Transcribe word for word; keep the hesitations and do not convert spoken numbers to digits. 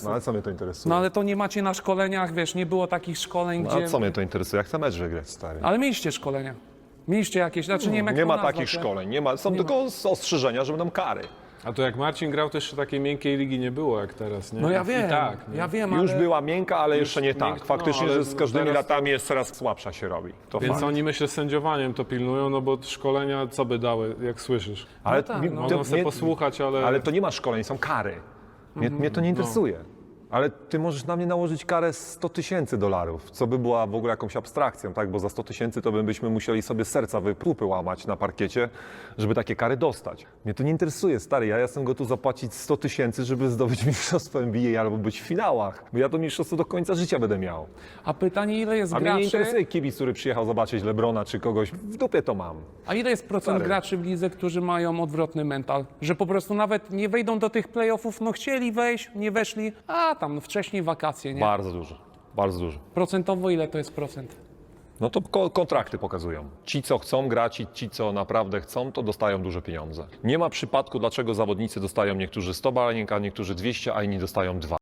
No ale co mnie to interesuje? No ale to nie macie na szkoleniach, wiesz, nie było takich szkoleń, No, gdzie... a co mnie to interesuje? Ja chcę mecz wygrać, stary. Ale mieliście szkolenia. Mieliście jakieś, znaczy nie wiem jak Nie to ma nazwać, takich ale- szkoleń, nie ma. Są tylko ostrzeżenia, że będą kary. A to jak Marcin grał, to jeszcze takiej miękkiej ligi nie było jak teraz, nie? No ja I wiem, tak, nie? ja wiem, Już ale... była miękka, ale jeszcze nie tak. mięk- Faktycznie, no, ale że z każdymi teraz to- latami jest coraz słabsza się robi. To Więc fakt. oni myślę sędziowaniem to pilnują, no bo szkolenia co by dały, jak słyszysz? Ale, No tak, mi- no. to Mogą sobie mnie- posłuchać, ale... ale to nie ma szkoleń, są kary. Mnie, mnie to nie interesuje. Ale ty możesz na mnie nałożyć karę sto tysięcy dolarów, co by była w ogóle jakąś abstrakcją, tak? Bo za sto tysięcy to by byśmy musieli sobie serca wypłupy łamać na parkiecie, żeby takie kary dostać. Mnie to nie interesuje, stary. Ja jestem gotów zapłacić sto tysięcy, żeby zdobyć mistrzostwo N B A albo być w finałach. Bo ja to mistrzostwo do końca życia będę miał. A pytanie, ile jest A mnie nie graczy, interesuje kibic, który przyjechał zobaczyć Lebrona czy kogoś. W dupie to mam. a ile jest procent Stary. graczy w lidze, którzy mają odwrotny mental? Że po prostu nawet nie wejdą do tych playoffów, no chcieli wejść, nie weszli, a tam wcześniej wakacje, nie? Bardzo dużo. Bardzo dużo. Procentowo ile to jest procent? No to ko- kontrakty pokazują. Ci, co chcą grać i ci, co naprawdę chcą, to dostają duże pieniądze. Nie ma przypadku, dlaczego zawodnicy dostają niektórzy sto baniek, a niektórzy dwieście, a inni dostają dwa.